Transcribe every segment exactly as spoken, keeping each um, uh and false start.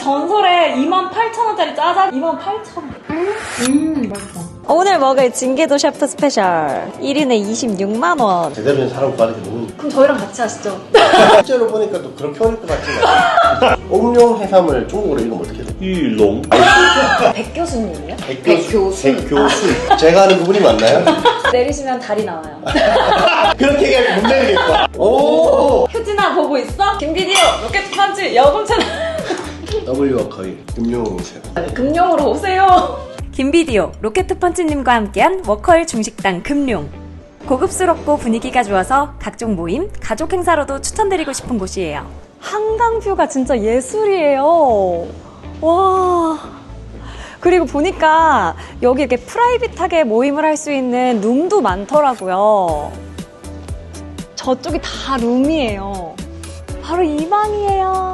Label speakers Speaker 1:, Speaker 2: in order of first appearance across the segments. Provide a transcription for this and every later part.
Speaker 1: 전설의 이만 팔천 원짜리 짜장 이만 팔천 원. 음, 맛있다.
Speaker 2: 오늘 먹을 징계도 셰프 스페셜 일 인에 이십육만 원.
Speaker 3: 제대로 된 사람 구하는 게 너무.
Speaker 1: 그럼 저희랑 같이 하시죠.
Speaker 3: 실제로 보니까 또 그렇게 어릴 것 같진 않아. 옥룡 해삼을 중국어로 읽으면 어떻게 돼?
Speaker 4: 유롱.
Speaker 1: 백 교수님이요?
Speaker 3: 백교수. 백교수. 제가 아는 그분이 맞나요?
Speaker 1: 내리시면 달이 나와요.
Speaker 3: 그렇게 얘기하면 못 내리겠다. 오!
Speaker 1: 효진아 보고 있어? 김비디오 로켓 펀치 여금 채널.
Speaker 3: W와 거의 금융세요.
Speaker 1: 금룡으로 오세요.
Speaker 2: 김비디오 로켓펀치님과 함께한 워커힐 중식당 금룡. 고급스럽고 분위기가 좋아서 각종 모임, 가족 행사로도 추천드리고 싶은 곳이에요. 한강뷰가 진짜 예술이에요. 와. 그리고 보니까 여기 이렇게 프라이빗하게 모임을 할 수 있는 룸도 많더라고요. 저쪽이 다 룸이에요. 바로 이 방이에요.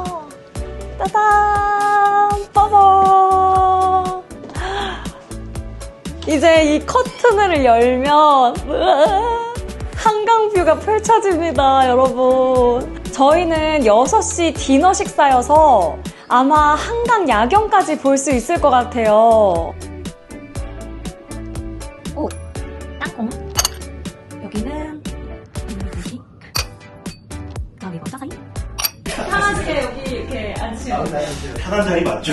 Speaker 2: 따단! 빠밤! 이제 이 커튼을 열면 한강뷰가 펼쳐집니다, 여러분. 저희는 여섯 시 디너 식사여서 아마 한강 야경까지 볼 수 있을 것 같아요. 오, 땅콩. 여기는 음식. 여기 뭐 짜사이?
Speaker 1: 편하게 여기 이렇게 앉으시면 돼요.
Speaker 4: 편한 자리 맞죠?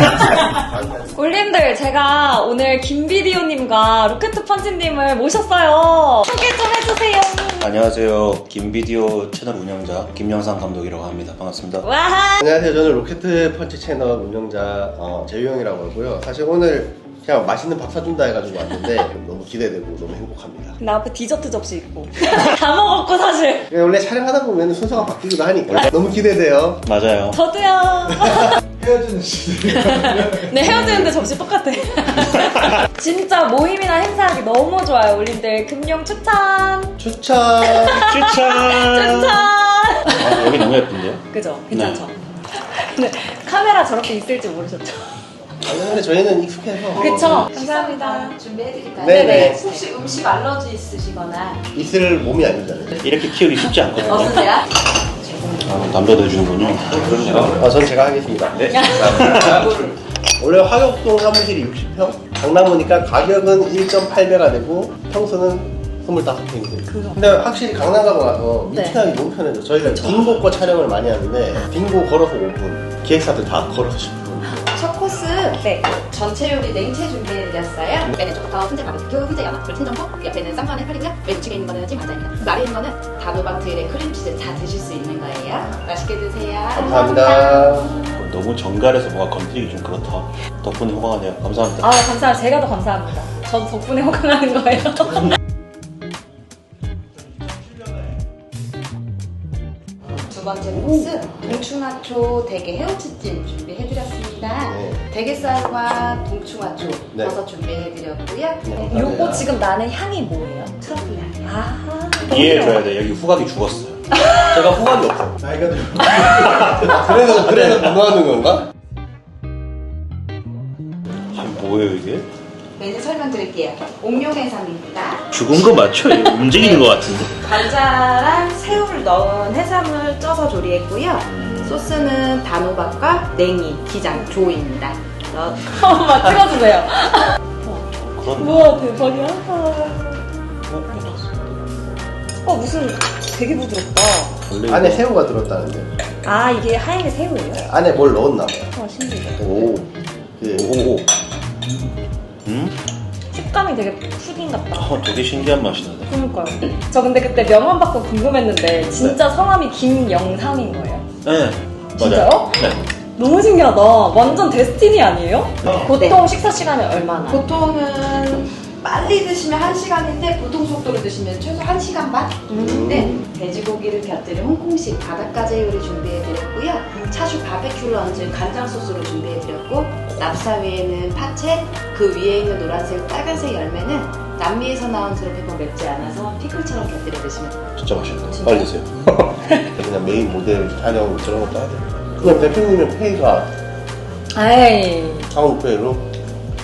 Speaker 1: 올림들, 제가 오늘 김비디오님과 로켓펀치님을 모셨어요. 소개 좀 해주세요.
Speaker 4: 안녕하세요. 김비디오 채널 운영자 김영상 감독이라고 합니다. 반갑습니다.
Speaker 1: 와.
Speaker 3: 안녕하세요. 저는 로켓 펀치 채널 운영자 어, 재유형이라고 하고요. 사실 오늘 그냥 맛있는 밥 사준다 해가지고 왔는데 너무 기대되고 너무 행복합니다.
Speaker 1: 나 앞에 디저트 접시 있고 다 먹었고 사실.
Speaker 3: 원래 촬영하다 보면 순서가 바뀌기도 하니까 너무 기대돼요.
Speaker 4: 맞아요.
Speaker 1: 저도요.
Speaker 3: 헤어지는 시대.
Speaker 1: 네, 헤어지는데 접시 똑같아. 진짜 모임이나 행사하기 너무 좋아요. 올림들 금룡 추천.
Speaker 3: 추천.
Speaker 4: 추천.
Speaker 1: 추천.
Speaker 4: 아, 여기 너무 예쁜데요?
Speaker 1: 그죠? 괜찮죠? 근데 카메라 저렇게 있을지 모르셨죠?
Speaker 3: 아니 근데 저희는 익숙해서.
Speaker 1: 그쵸? 감사합니다.
Speaker 5: 준비해드릴까요?
Speaker 3: 네네.
Speaker 5: 혹시 음식 알러지 있으시거나
Speaker 3: 있을 몸이 아니잖아요.
Speaker 4: 이렇게 키우기 쉽지 않거든요.
Speaker 5: 없으세요?
Speaker 4: 아, 남자도 해주는군요.
Speaker 3: 아, 전 제가 하겠습니다. 네. 원래 화곡동 사무실이 육십 평, 강남오니까 가격은 일 점 팔 배가 되고 평수는 이십오 평이 돼요. 근데 확실히 강남 가고 나서
Speaker 1: 네.
Speaker 3: 미팅하기 너무 편해져. 저희가 빙고 거 촬영을 많이 하는데 빙고 걸어서 오 분, 기획사들 다 걸어서 십 분.
Speaker 5: 첫 코스
Speaker 1: 네.
Speaker 5: 전체 요리 냉채 준비해드렸어요. 왼쪽부터 훈제 바베큐, 훈제 연어풀, 친정포, 옆에는 쌈무한 해파리고요. 왼쪽에 있는 거는 찜 과자입니다. 아래 있는 거는 단호박 트일에 크림치즈 다 드실 수 있는 거예요. 맛있게 드세요.
Speaker 3: 감사합니다.
Speaker 4: 너무 정갈해서 뭔가 건드리기 좀 그렇다. 덕분에 호강하네요. 감사합니다.
Speaker 1: 아, 감사합니다. 제가 더 감사합니다. 전 덕분에 호강하는 거예요.
Speaker 5: 두 번째 코스 동충하초 대게 헤어치찜 준비해드렸습니다.
Speaker 3: 네.
Speaker 5: 대게살과 동충하초
Speaker 3: 네.
Speaker 5: 버섯 준비해드렸고요.
Speaker 3: 네.
Speaker 1: 요거 지금 나는 향이 뭐예요?
Speaker 5: 트러플 향.
Speaker 1: 아,
Speaker 4: 이해해줘야 돼. 여기 후각이 죽었어요.
Speaker 3: 제가 호감이 없어. 나이가 들어. 그래서, 그래서 무너하는 건가?
Speaker 4: 아, 뭐예요 이게?
Speaker 5: 메뉴 설명드릴게요. 옥룡해삼입니다.
Speaker 4: 죽은 거 맞죠? 이거 움직이는 거 같은데.
Speaker 5: 감자랑 새우를 넣은 해삼을 쪄서 조리했고요. 소스는 단호박과 냉이, 기장, 조입니다. 넣-
Speaker 1: 한번만 찍어주세요.
Speaker 4: 그런.
Speaker 1: 우와, 대박이야.
Speaker 4: 어,
Speaker 1: 어, 무슨 되게 부드럽다.
Speaker 4: 원래
Speaker 3: 안에
Speaker 4: 이거-
Speaker 3: 새우가 들었다는데.
Speaker 1: 아, 이게 하얀 새우예요?
Speaker 3: 안에 뭘 넣었나 봐요.
Speaker 1: 와, 신기하다.
Speaker 3: 오. 그,
Speaker 4: 오오오. 음?
Speaker 1: 식감이 되게 푸딩 같다.
Speaker 4: 어, 되게 신기한 맛이 나네.
Speaker 1: 그러니까요. 저 근데 그때 명함 받고 궁금했는데 진짜 성함이 김영상인 거예요?
Speaker 4: 네.
Speaker 1: 진짜요?
Speaker 4: 맞아요. 네.
Speaker 1: 너무 신기하다. 완전 데스티니 아니에요?
Speaker 4: 어.
Speaker 1: 보통 식사 시간이 얼마나?
Speaker 5: 보통은 빨리 드시면 한 시간인데 보통 속도로 드시면 최소 한 시간 반? 근데 돼지고기를 곁들인 홍콩식 바닷가재 요리 준비해드렸고요. 차슈 바베큐를 얹은 간장 소스로 준비해드렸고 납사 위에는 파채, 그 위에 있는 노란색, 빨간색 열매는 남미에서 나온 드롭페퍼 맵지 않아서 피클처럼 곁들여 드시면 돼요.
Speaker 4: 진짜 맛있네. 빨리 드세요.
Speaker 3: 그냥 메인 모델 촬영 저런 것도 하죠. 그럼 대표님은 페이가
Speaker 1: 에이.
Speaker 3: 상호페이로?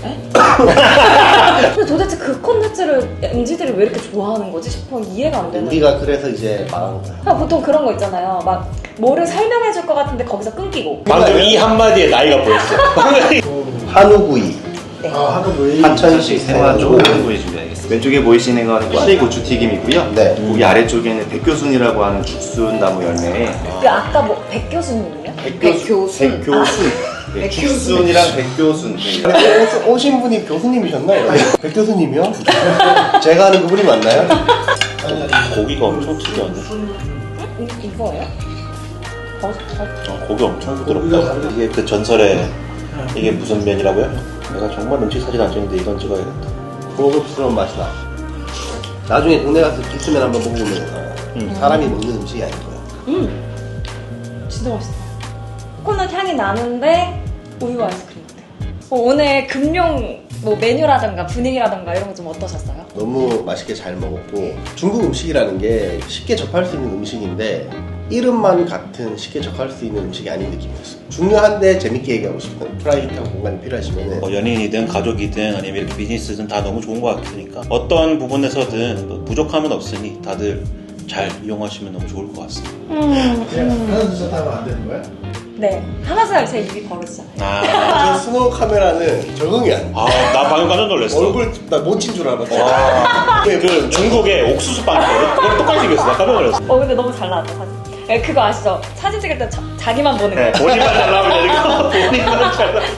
Speaker 1: 근데 도대체 그 콘텐츠를 엠지들이 왜 이렇게 좋아하는 거지 싶어 이해가 안 되는.
Speaker 3: 우리가 그래서 이제 망한 거야.
Speaker 1: 그냥 보통 그런 거 있잖아요. 막 뭐를 설명해 줄 것 같은데 거기서 끊기고.
Speaker 4: 방금 이 한마디에 나이가 보였어.
Speaker 3: 한우구이.
Speaker 6: 아, 한우구이.
Speaker 3: 하천시
Speaker 6: 생활
Speaker 3: 생활
Speaker 6: 한우구이 준비하겠습니다. 왼쪽에 보이시는 건 시고추 튀김이고요.
Speaker 3: 네.
Speaker 6: 고기 아래쪽에는 백교순이라고 하는 죽순 나무 열매에
Speaker 1: 그 아까 뭐 백 교수님이요?
Speaker 5: 백교순.
Speaker 6: 백교순. 네, 죽순이랑 백교순. 네.
Speaker 3: 근데 오- 오신 분이 교수님이셨나요? 백 교수님이요? 제가 아는 그분이 맞나요?
Speaker 4: 고기가 엄청 특이하네.
Speaker 1: 이- 이거예요? 어, 어.
Speaker 4: 어, 고기 엄청 부드럽다. 이게 그 전설의 이게 무슨 면이라고요? 내가 정말 음식 사진 안 찍는데 이건 찍어야겠다.
Speaker 3: 고급스러운 맛이 나. 나중에 동네 가서 기스면 한번 먹어보면
Speaker 4: 음.
Speaker 3: 사람이 먹는 음식이 아닌 거야.
Speaker 1: 음, 진짜 맛있어. 코코넛 향이 나는데 우유 아이스크림 같아. 어, 오늘 금룡 뭐 메뉴라든가 분위기라든가 이런 거 좀 어떠셨어요?
Speaker 3: 너무 맛있게 잘 먹었고 중국 음식이라는 게 쉽게 접할 수 있는 음식인데 이름만 같은 쉽게 접할 수 있는 음식이 아닌 느낌이었어요. 중요한데 재밌게 얘기하고 싶은 프라이빗한 공간이 필요하시면
Speaker 4: 뭐 연인이든 가족이든 아니면 이렇게 비즈니스든 다 너무 좋은 것 같으니까 어떤 부분에서든 뭐 부족함은 없으니 다들 잘 이용하시면 너무 좋을 것 같습니다.
Speaker 1: 음,
Speaker 6: 하나 둘셋 하면 안 되는 거야?
Speaker 1: 네. 하나씩 제 입이 벌어지잖아요.
Speaker 4: 아,
Speaker 3: 저 스노우 카메라는 적응이 안 돼.
Speaker 4: 아, 나 방금 깜짝 놀랐어.
Speaker 3: 얼굴 나 못 친 줄 알았어.
Speaker 4: 와, 그 중국의 옥수수 빵 있거든? 그걸 똑같이 생겼어. 나 깜짝 놀랐어.
Speaker 1: 어, 근데 너무 잘 나왔다, 사진. 예, 그거 아시죠? 사진 찍을 때 자, 자기만 보는 거.
Speaker 4: 네, 본인만 잘 나오면 되니까 본인만 잘 나오면.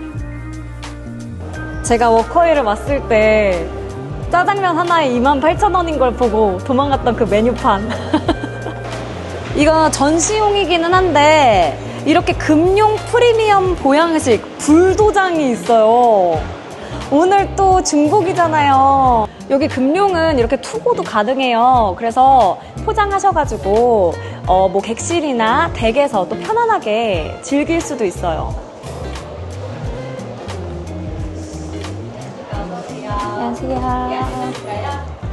Speaker 2: 제가 워커힐을 왔을 때 짜장면 하나에 이만 팔천 원인 걸 보고 도망갔던 그 메뉴판. 이거 전시용이기는 한데 이렇게 금룡 프리미엄 보양식 불도장이 있어요. 오늘 또 중복이잖아요. 여기 금룡은 이렇게 투고도 가능해요. 그래서 포장하셔가지고 어, 뭐 객실이나 댁에서 또 편안하게 즐길 수도 있어요. 안녕하세요.